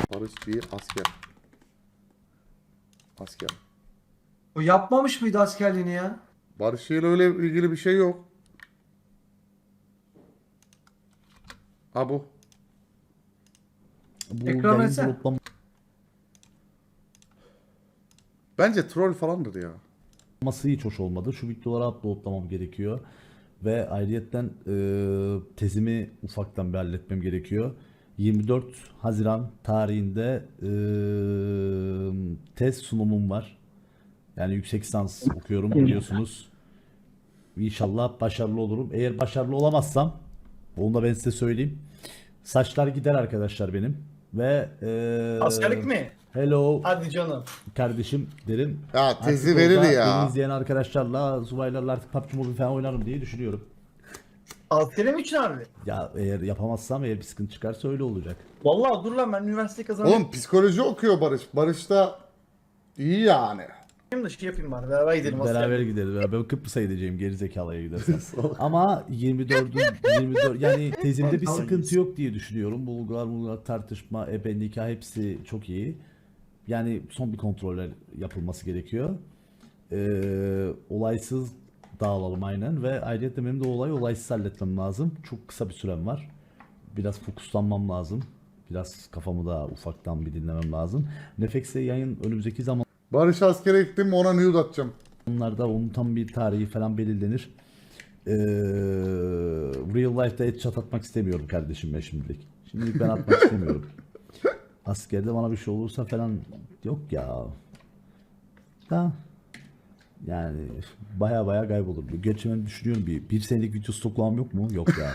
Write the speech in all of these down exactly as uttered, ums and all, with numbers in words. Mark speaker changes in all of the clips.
Speaker 1: Barış bir asker. Asker.
Speaker 2: O yapmamış mıydı askerliğini ya?
Speaker 1: Barış ile öyle ilgili bir şey yok. Ha bu.
Speaker 3: Bu
Speaker 2: Ekran
Speaker 3: yayın
Speaker 2: etsene.
Speaker 3: droplama
Speaker 1: Bence troll falandır ya.
Speaker 3: Olması hiç hoş olmadı. Şu videoları uploadlamam gerekiyor. Ve ayrıyetten e, tezimi ufaktan bir halletmem gerekiyor. yirmi dört Haziran tarihinde e, tez sunumum var. Yani yüksek lisans okuyorum biliyorsunuz. İnşallah başarılı olurum. Eğer başarılı olamazsam, onu da ben size söyleyeyim. Saçlar gider arkadaşlar benim. Ve e,
Speaker 4: Askerlik mi?
Speaker 3: hello
Speaker 4: Hadi canım.
Speaker 3: kardeşim derim.
Speaker 1: Ya tezi
Speaker 3: Artık
Speaker 1: verir
Speaker 3: orada
Speaker 1: ya.
Speaker 3: Beni izleyen arkadaşlarla, subaylarla artık P U B G Mobile falan oynarım diye düşünüyorum.
Speaker 4: Askerim için abi.
Speaker 3: Ya eğer yapamazsam, eğer bir sıkıntı çıkarsa öyle olacak.
Speaker 4: Vallahi dur lan ben üniversite kazanayım
Speaker 1: Oğlum psikoloji okuyor Barış. Barış da iyi yani.
Speaker 4: da şey yapayım bari. Beraber gidelim
Speaker 3: Beraber
Speaker 4: askerliğe.
Speaker 3: gideriz. Ben Kıbrıs'a gideceğim gerizekalıya gidersem. Ama yirmi dördü yirmi dört yani tezimde bir sıkıntı yok diye düşünüyorum. Bulgular, bulgular, tartışma, ebe, nikah hepsi çok iyi. Yani son bir kontroller yapılması gerekiyor. Ee, olaysız dağılalım aynen ve ayrıca benim de olayı olaysız halletmem lazım. Çok kısa bir sürem var. Biraz fokuslanmam lazım. Biraz kafamı da ufaktan bir dinlemem lazım. Nefex'e yayın önümüzdeki zaman
Speaker 1: Barış askere gittim ona nude atacağım.
Speaker 3: Onlarda onun tam bir tarihi falan belirlenir. Ee, real life'da headshot atmak istemiyorum kardeşim ben şimdilik. Şimdilik ben atmak istemiyorum. Askerde bana bir şey olursa falan yok ya. Da yani baya baya kaybolur. Gerçi ben düşünüyorum bir, bir senelik video stoklamam yok mu? Yok ya.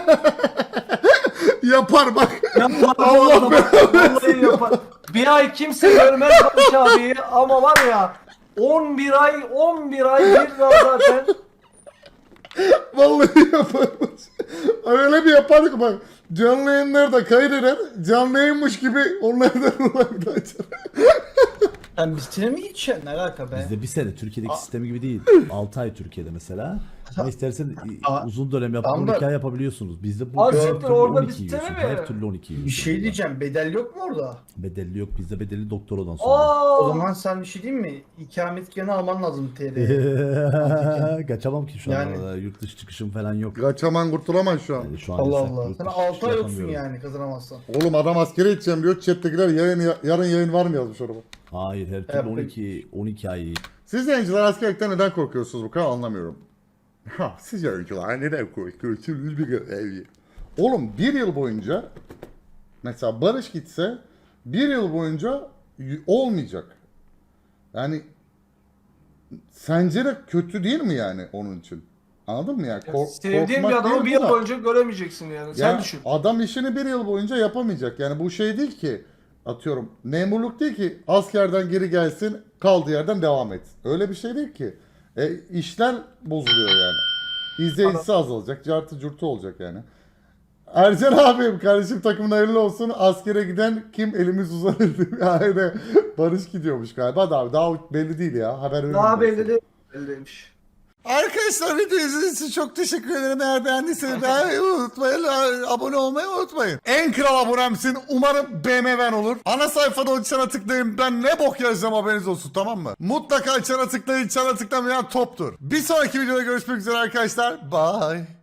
Speaker 1: Yapar bak.
Speaker 2: Yapar
Speaker 1: Allah
Speaker 2: Allah Vallahi yapar. Bir ay kimse görmez Barış abiyi ama var ya on bir ay on bir ay bir daha zaten.
Speaker 1: Vallahi yapar. Öyle bir yapar ki bak. Canlı yayınlarda kaydeder. Canlı yayınmış gibi onlardan olaydı açar.
Speaker 4: Sen bir sene mi gideceksin? Ne alaka be?
Speaker 3: Bizde bir sene Türkiye'deki
Speaker 4: Aa.
Speaker 3: sistemi gibi değil. altı ay Türkiye'de mesela. Ama istersen
Speaker 4: Aa.
Speaker 3: uzun dönem yapıp
Speaker 4: Tamam da-
Speaker 3: on iki ay yapabiliyorsunuz. Bizde bu
Speaker 2: Abi
Speaker 3: her
Speaker 2: siktir,
Speaker 3: türlü
Speaker 2: orada
Speaker 3: on iki
Speaker 2: bir sistemi
Speaker 3: yiyorsun.
Speaker 2: mi?
Speaker 3: Her türlü on iki yiyorsun.
Speaker 4: Bir şey
Speaker 3: orada.
Speaker 4: diyeceğim. Bedel yok mu orada?
Speaker 3: Bedelli yok. Bizde bedelli doktoradan sonra.
Speaker 2: Aa,
Speaker 4: O zaman sen bir şey diyeyim mi? İkametgahını alman lazım T L'ye.
Speaker 3: Kaçamam ki şu an
Speaker 4: Yani-
Speaker 3: arada. Yurt dışı çıkışım falan yok.
Speaker 1: Kaçaman kurtulamaz şu an.
Speaker 3: Yani şu an
Speaker 4: Allah
Speaker 3: yasak,
Speaker 4: Allah.
Speaker 3: yurt
Speaker 4: Sen
Speaker 3: dışı
Speaker 4: altı
Speaker 3: çıkışı
Speaker 4: ay yoksun
Speaker 3: yapamıyorum.
Speaker 4: yani kazanamazsan.
Speaker 1: Oğlum adam askere gideceğim diyor. Chat'tekiler yayın, yarın yayın var mı yazmış orada.
Speaker 3: Hayır, her türlü
Speaker 4: Evet,
Speaker 3: on iki on iki ay.
Speaker 1: Siz yayıncılar askerlikten neden korkuyorsunuz bu kadar anlamıyorum. Ha, siz yayıncılar neden korkuyorsunuz bir görevi. Oğlum bir yıl boyunca mesela Barış gitse bir yıl boyunca y- olmayacak. Yani sence de kötü değil mi yani onun için? Anladın mı yani? Kork-
Speaker 2: sevdiğin
Speaker 1: korkmak
Speaker 2: bir adamı
Speaker 1: değil
Speaker 2: bir
Speaker 1: bu
Speaker 2: yıl
Speaker 1: da.
Speaker 2: boyunca göremeyeceksin yani. Sen
Speaker 1: Yani
Speaker 2: düşün.
Speaker 1: adam işini bir yıl boyunca yapamayacak. Yani bu şey değil ki atıyorum memurluk değil ki askerden geri gelsin kaldığı yerden devam et. Öyle bir şey değil ki. E, işler bozuluyor yani. İzleyicisi azalacak. Cartı curtu olacak yani. Ercan abim kardeşim takımın hayırlı olsun. Askere giden kim elimiz uzanır. Yani Barış gidiyormuş galiba da abi daha belli değil ya. Haber
Speaker 2: Daha
Speaker 1: vereyim
Speaker 2: belli değil. Belli değilmiş.
Speaker 1: Arkadaşlar video izlediğiniz için çok teşekkür ederim. Eğer beğendiyseniz beğenmeyi unutmayın. Abone olmayı unutmayın. En kral abonemsin. Umarım B M W'n olur. Ana sayfada o çana tıklayın. Ben ne bok yazacağım haberiniz olsun, tamam mı? Mutlaka çana tıklayın. Çana tıklamayan toptur. Bir sonraki videoda görüşmek üzere arkadaşlar. Bye.